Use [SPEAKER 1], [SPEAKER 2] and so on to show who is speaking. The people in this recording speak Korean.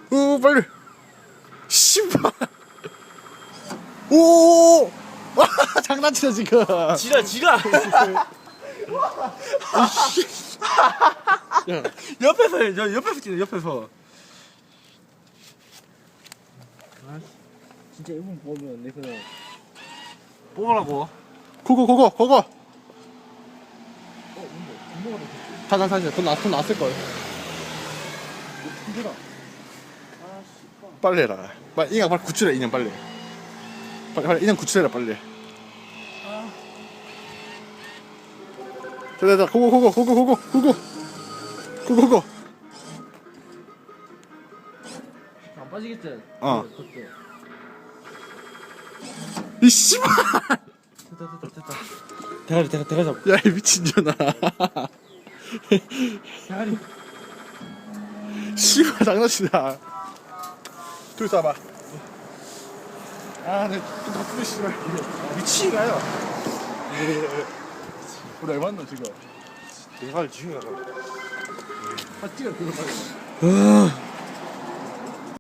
[SPEAKER 1] 오 빨리. 씨발. 오. 와 장난치네 지금.
[SPEAKER 2] 지라. 옆에서 해. 저 옆에서 찍네 옆에서.
[SPEAKER 3] 아 진짜 이분 보면 내 그냥
[SPEAKER 2] 뽑으라고.
[SPEAKER 1] 고고.
[SPEAKER 3] 운동하다
[SPEAKER 1] 사실 돈 났을 걸.
[SPEAKER 3] 힘들어.
[SPEAKER 1] 빨리 해라. 빨리 인형 빨리 구출해 인형 빨리. 빨리 인형 구출해라 빨리. 자 고고.
[SPEAKER 3] 안 빠지겠지?
[SPEAKER 1] 어.
[SPEAKER 3] 그것도.
[SPEAKER 1] 이 씨발.
[SPEAKER 2] 대가리 잡.
[SPEAKER 1] 야 이 미친년아.
[SPEAKER 3] 대가리.
[SPEAKER 1] 씨발 장난치나. 둘 쏴봐. 아내 덕분에 씨발 미치가요. 우리 얼마나 지금?
[SPEAKER 2] 대가리 지금.
[SPEAKER 1] 아 찍어 그거 빨리.